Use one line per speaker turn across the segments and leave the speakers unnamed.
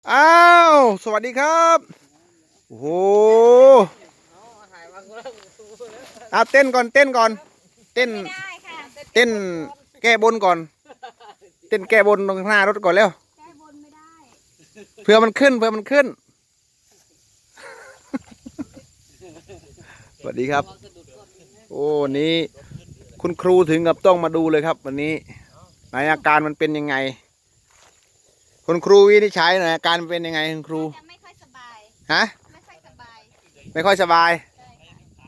อ้าวสวัสดีครับโอ้โหเต้นก่อนเต้นก่อนเต้นเต้นแก้บนก่อนเต้นแก้บนตรงหน้ารถก่อนแล้ว
แก้บนไม่ได้
เผื่อมันขึ้นสวัสดีครับโอ้วันนี้คุณครูถึงกับต้องมาดูเลยครับวันนี้ในอาการมันเป็นยังไงคุณครูวินิจฉัยหน่อยอาการมันเป็นยังไงคุณครู
จะไม่ค่อยสบาย
ฮะ
ไม่ค่อยสบาย
ไม่ค่อยสบาย
ใช่ค่ะ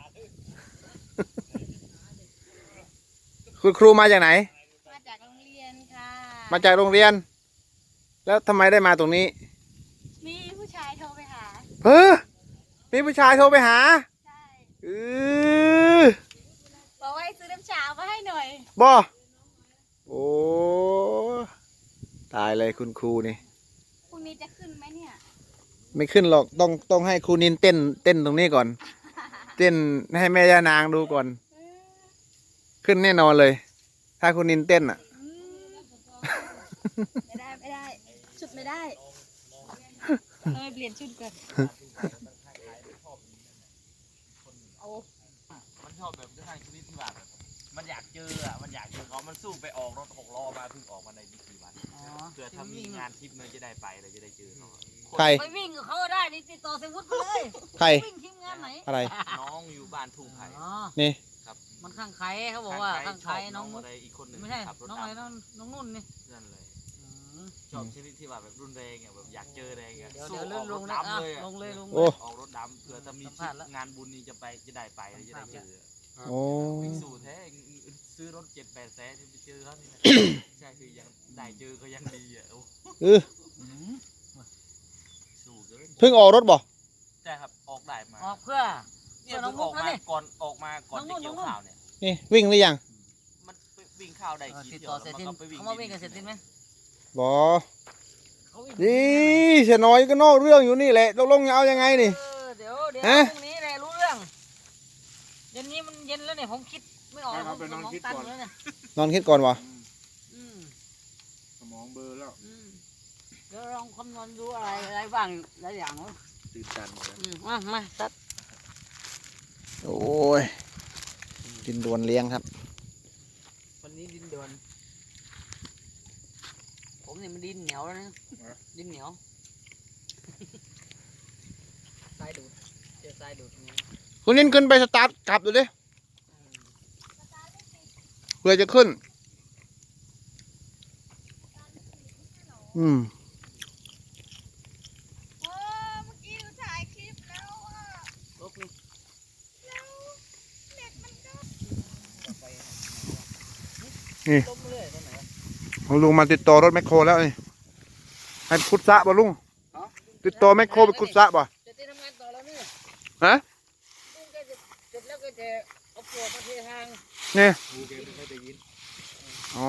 คุณครูมาจากไหน
มาจากโรงเรียนค่ะ
มาจากโรงเรียนแล้วทำไมได้มาตรงนี้
มีผู้ชายโทรไปหา
เฮ้อมีผู้ชายโทรไปหา
ใช่
เออ
บอกว่าให้ซื้อน้ำชามาให้หน่อย
บ่โอ้ตายเลยคุณครูนี่
พรุ่งนี้จะขึ้นไหมเนี่ย
ไม่ขึ้นหรอกต้องให้ครูนินเต้นตรงนี้ก่อนเต้นให้แม่ย่านางดูก่อนขึ้นแน่นอนเลยถ้าครูนินเต้นอ่ะ
ไม่ได้ชุดไม่ได้เปลี่ยนชุดก่อน
มันชอบแบบทางชนิดที่แบบมันอยากเจอมันอยากเจอเขามันสู้ไปออกรถ6 ล้อมาเพิ่งออกมาในไม่กี่วันเพื่อถ้ามีงานทริปมันจะได้ไปเลยจะได้เจอเขา
ใคร
ไปวิ่งกับเขาได้นี่ติดต่อเซวุฒิไปเลย
ใคร
วิ่งทีมงานไหน
อะไร
น้องอยู่บ้านทุ่งไผ่
นี่
ครับ
มันข้างใครเขาบอกว่าข้างใครน้อง
อะไรอีกคนหนึ่ง
ไม่ใช่
ขับรถ
น้องอะไรน้องนุ่นนี่
นั่นเลยชอบชนิดที่แบบรุนแรงแบบอยากเจอแรงสู้ออกร
ล
ถ
ง
ดำเลย
ลงเลย
โอ้
ออกรถดำเพื่อถ้ามีงานบุญนี้จะไปจะได้ไปจะได้เจอ
โอ้
สู้แท้ซื้อรถ7-8 แสนไปเจอเขานี่ใช่คือยังได้เจอก็ยังดีสู้เกิน
เพิ่งออกรถบ่
ใช่ครับออกได้มา
ออกเพื่อ
เนี่ยเพิ่งออกมาก่อนจะเกี่ยวข้าวเนี่ย
นี่วิ่งหรือยัง
มันวิ่งข้าวได้กี่
ติด
เที่ยว
ต่อเสร็จทิ้งเขามาวิ่งกันเสร็จทิ้งไหม
บ่นี่เสียน้อยก็นอกเรื่องอยู่นี่แหละตกลงจะเอายังไงนี่
เดี๋ยวพรุ่งนี้แหละรู้เรื่องเย็นนี้มันเย็นแล้วเนี่ยผมคิดไม่ออกสมองตันแล้วเนี่ย
นอนคิดก่อนวะ
สมองเบลอแล้ว
เดี๋ยวลองคำนวณดูอะไรบ้างหลายอย่าง
ตื่นตันหมด
มาตัด
โอ้ยดินดวนเลี้ยงครับ
วันนี้ดินดวนผมเนี่ยมันดินเหนียวแล้วนะดินเหนียวทรายดูดเจอทรายดูด
คุณนินขึ้นไปสตาร์ทกลับดูดิเพื่อจะขึ้น
เมื่อกี้ดูถ่ายคลิปแล้ว
ลบนี่
แล้วเน็ตมันก็
นี่
ลบเรื่อยตรงไหน
ลุงมาติดต่อรถแมคโครแล้วนี่ให้ขุดสระบ่ลุงติดต่อแมคโครไปขุดสระบ่
จะทำงานต่อแล้วนี่
ฮะ
ลุงแกจะเสร็จแล้วก็จะเอาปลวกมาเททาง
นี่
แกไม่ค่อยได้ยิน
อ๋อ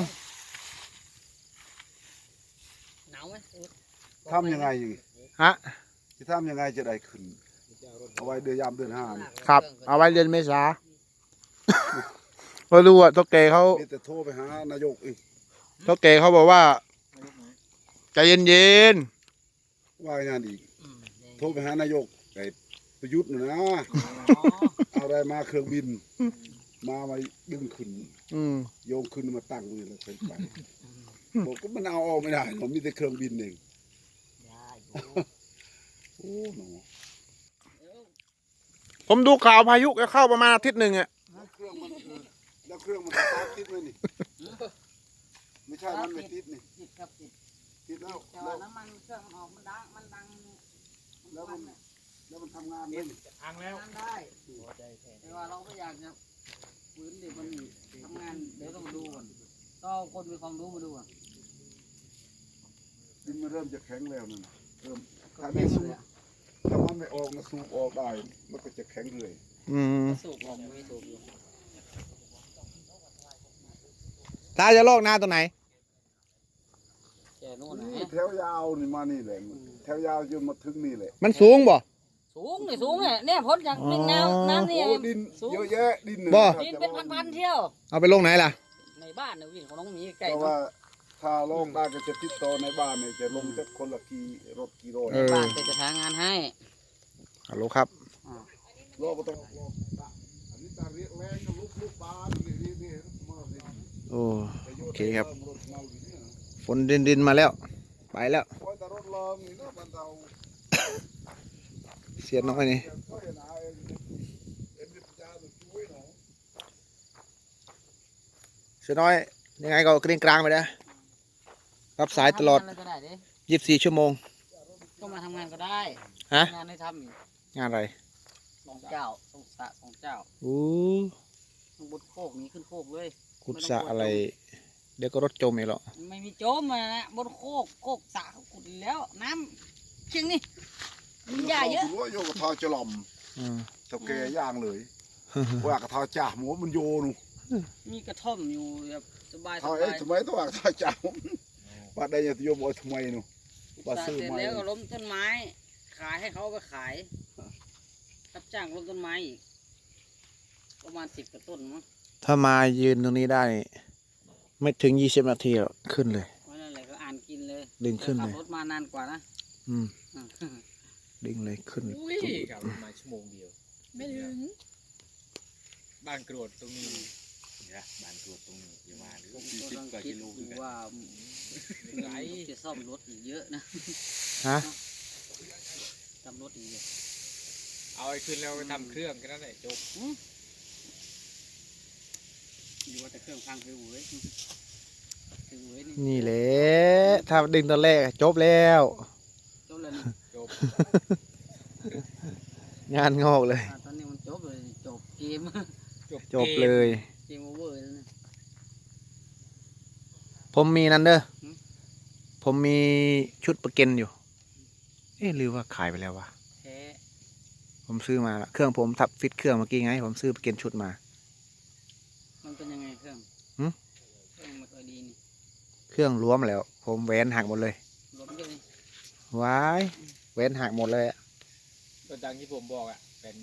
หนาวไหม
ทำยังไงอยู่
ฮะ
จะทำยังไงจะได้ขึ้นเอาไว้เดือน5
ครับเอาไว้เดือนเมษาพอรู้อ่ะตัวแกเขา
แต่โทรไปหานายกอีก
ตัวแกเขาบอกว่าใจเย็น
ว่างานอีกโทรไปหานายกไอ้ประยุทธ์นะเอาอะไรมาเครื่องบินมาดึงขึ้นโยงขึ้นมาตั้งเลยแล้วไปบอกก็มันเอาออกไม่ได้ผมมีแต่เครื่องบินเองโอ้หนู
ผมดูข่าวพายุจะเข้าประมาณอาทิตย์หนึ่งอ่ะ
แล้วเครื่องมันติดไหมนี่ไม่ใช่มันไม่ติดนี่ติดแล้ว
น้ำมันเครื่องมันออกมันดัง
แล้วมันทำงานได้
อังแล้ว
ได้แต่ว่าเราก็อยากจะฝืนเดี๋ยวมันทำงานเดี๋ยวต้องมาดูก่อนก็คนมีความรู้มาดูอ่ะ
ดินมันเริ่มจะแข็งแล้วนั่นเริ่มถ้ามันไม่ออกมาสูบออกได้มันก็จะแข็งเลย
สูบออกไม่สูบอยู่
ตาจะลอกนาตัวไหน
แถวยาวนี่มานี่แหละแถวยาวจนมาถึงนี่แหละ
มันสูงบ่
สูงเนี่ยพ้นจากนึ่งน้ำนี่
ดินเยอะแยะดิน
ดินเป็นพันๆเที่ยว
เอาไปลงไหนล่ะ
ในบ้านเนี่ยวิ่งของน้องหมีใกล้
เพราะว่าถ้าลงได้ก็จะติดต่อในบ้านเนี่ยจะลงจากคนละกี่รถกี่โล
เออ
บ้านจะหางานให้
ฮัลโหลครับ
รถก็ต้องอันนี้ตาเรียกแรงก็ลุกบ้านนี่มาสิ
โอ้โอเคครับฝนดินมาแล้วไปแล้ว
โอ้ยแต่รถลองนี่เนาะบ้านเรา
เสียน้อยนี่
ก็เห็นไอ้เอ็มดิจาตัวช่วยเนาะ
เสียน้อยยังไงก็เกรงกลางไปนะรับสายตลอด
ทำงานก็ได้ดิ
24 ชั่วโมง
ก็มาทำงานก็ได้
ฮะ
งานให้ทำอีก
งานอะไร
2 เจ้า2 สระ 2 เจ้า
อู้
ข้างบนโคกนี้ขึ้นโคกเลย
ขุดสระอะไร เดี๋ยวก็รถจมอีกหรอก
ไม่มีโจมมานะบนโคกสระเขาขุดอีกแล้วน้ำเชียงนี่มีหญ้าเยอะ
ว่าโยกระทอจะหล่อม
อืม
เจ้าแกย่างเลยว่ากระทอจ่าหมูมันโยนู
มีกระท่อมอยู่แบบสบาย
ทอเอ๊ะทำไมต้องว่ากระทอจ่าว่าได้ยังโยมบอกทำไมนู ว่า
สระ
ซื้อ
เสร็จ
มา
แล้วก็ล้มต้นไม้ ขายให้เขาไปขายรับจ้างล้มต้นไม้อีกประมาณ10 กว่าต้นมั้ง
ถ้ามายืนตรงนี้ได้ ไม่ถึง 20 นาทีหรอกขึ้นเลย
เพราะนั่นแหละก็อ่านกินเลย
ดึงขึ้น
ขั
เล
บ
ย
รถมานานกว่านะ
อืมดึงเลยขึ้น
อุ้ยครับมาชั่วโมงเดียว
ไม่ถึง
บ้านกรวดตรงนี้นะบ้านกรวดตรงนี้อย่ามาหรือ
ผม
สี่
ก็
สิบ
ต้อง
กว่า
คิด
กิโล
ดู
คือกัน
ว่า
ไหน
จะซ่อมรถอีกเยอะนะ
ฮะ
ซ่อมรถอีกเยอะ
เอาไอ้ขึ้นแล้วไปทำเครื่องกันนั่นแหละจบ
ดูว่าแต่เครื่องพังคือหวยคือหวยนี่
นี่แหละถ้าดึงตอนแรกจบแล้ว
จบแล้วนี่
จบ
งานงอกเลย
ตอนนี้มันจบเลยจบเกม
จบเลย
เกมโอเวอร์แล้วนะ
ผมมีนั่นเด้อ
หืม
ผมมีชุดประเก็นอยู่ เอ๊ะหรือว่าขายไปแล้ววะ
แพ้
ผมซื้อมาละเครื่องผมทับฟิตเครื่องเมื่อกี้ไง ผมซื้อประเก็นชุดมา
มันเป็นยังไงเครื่อง
หืม
เครื่องไม่ค่อยดีนี่
เครื่องรวมแล้ว ผมแหวนหักหมดเลย
ล้มเยอะเลย
ว้ายแหวนหักหมดเลยอะ
ตัวดังที่ผมบอกอ่ะ80,000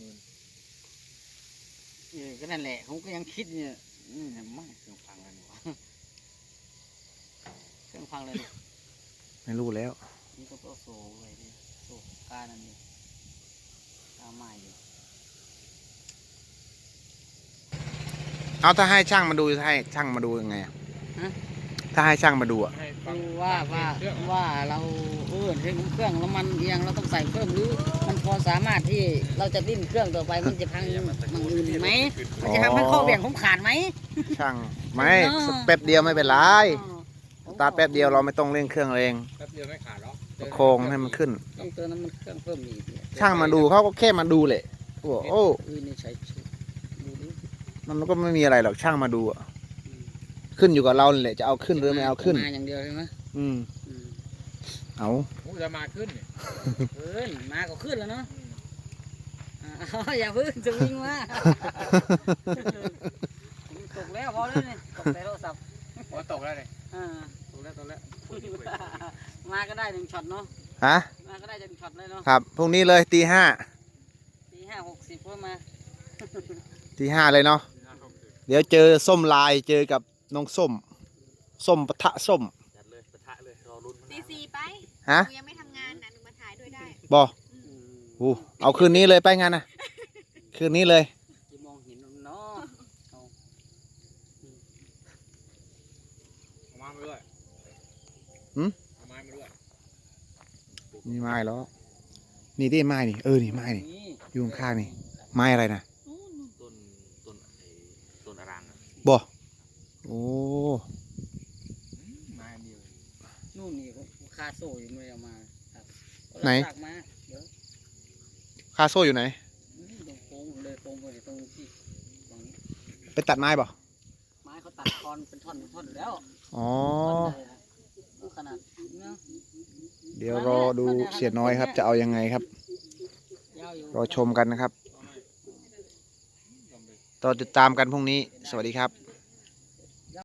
ก็นั่นแหละผมก็ยังคิดเนี่ยไม่เครื่องพังเลยนี่วะเครื่องพังเลยนี่
ไม่รู้แล้ว
นี่ก็ต้องโซ่ไว้ดิโซ่ก้านั่นนี่ก้าไม้อยู่
เอาถ้าให้ช่างมาดูให้ช่างมาดูยังไงอะถ้าให้ช่างมาดูอะ
ให้ฟัง
ดูว่าเราเทเครื่องแล้วมันเอียงเราต้องใส่เพิ่มหรือมันพอสามารถที่เราจะดิ้นเครื่องต่อไปมันจะพังมันอื่นไหมมันจะทำให้ข้อเบี่ยงผมขาดไหม
ช่างไม่แป๊บเดียวไม่เป็นไรสตาร์ทแป๊บเดียวเราไม่ต้องเร่งเครื่องเอง
แป๊บเดียวไม่ขาดหรอก
ประโครงให้มันขึ้น
ต้องเติมน้ำมันเครื่องเพิ่มอีก
ช่างมาดูเขาก็แค่มาดูแหละโอ้
นี่ใช้ดูดิ
มันก็ไม่มีอะไรหรอกช่างมาดูอะขึ้นอยู่กับเราแหละจะเอาขึ้นหรือไม่เอาขึ้น
มาอย่างเดียวใช่ไหม
อืมเอา
ผมจะมาขึ้นเนี่ย
ขึ้นมาก็ขึ้นแล้วเนาะอย่าพึ่งจะวิ่งมาตกแล้วพอแล้วนี่ตกในโทรศัพท์
โอ้ตกแล้วเลย
ตกแล้วมาก็ได้1 ช็อตเนาะ
ฮะ
มาก็ได้1 ช็อตเลยเนาะ
ครับพรุ่งนี้เลยตี 5
ตี 5:60ก็มา
ตี 5เลยเนาะเดี๋ยวเจอส้มลายเจอกับน้องส้มปะทะส้ม
จัดเลยปะทะเลยรอลุ้น
ตีสี่ไป
ฮะ
หนูยังไม่ทำงานนะหนูมาถ่ายด้วยได้
บอเอาคืนนี้เลยไปงานนะคืนนี้เลย
จะมองเห็นเนาะ
เอามาด้วย
หืม
เอาไม้มาด้วย
นี่ไม้แล้วนี่ที่ไม้นี่นี่ไม้นี่
นี่
อยู่ข้างๆนี่ไม้อะไรนะ
ต้นอรังอะ
บอโอ้
ไม้เดียว
นู่นนี่คาโซ่อยู่ไม่ได้เอามาครับ
ไหน
ตักมาเดี๋ยว
คาโซ่อยู่ไหน
ตรงโค้งเลยโค้งไปตรงที่ฝั่งนี้
ไปตัดไม้บ่
ไม้เขาตัดคอนเป็นท่อนอยู่แล้ว
อ๋อ
ขนาดเนาะ
เดี๋ยวรอดูเสียน้อยครับ จะเอายังไงครับ
ยาวอยู่
รอชมกันนะครับต่อติดตามกันพรุ่งนี้ สวัสดีครับ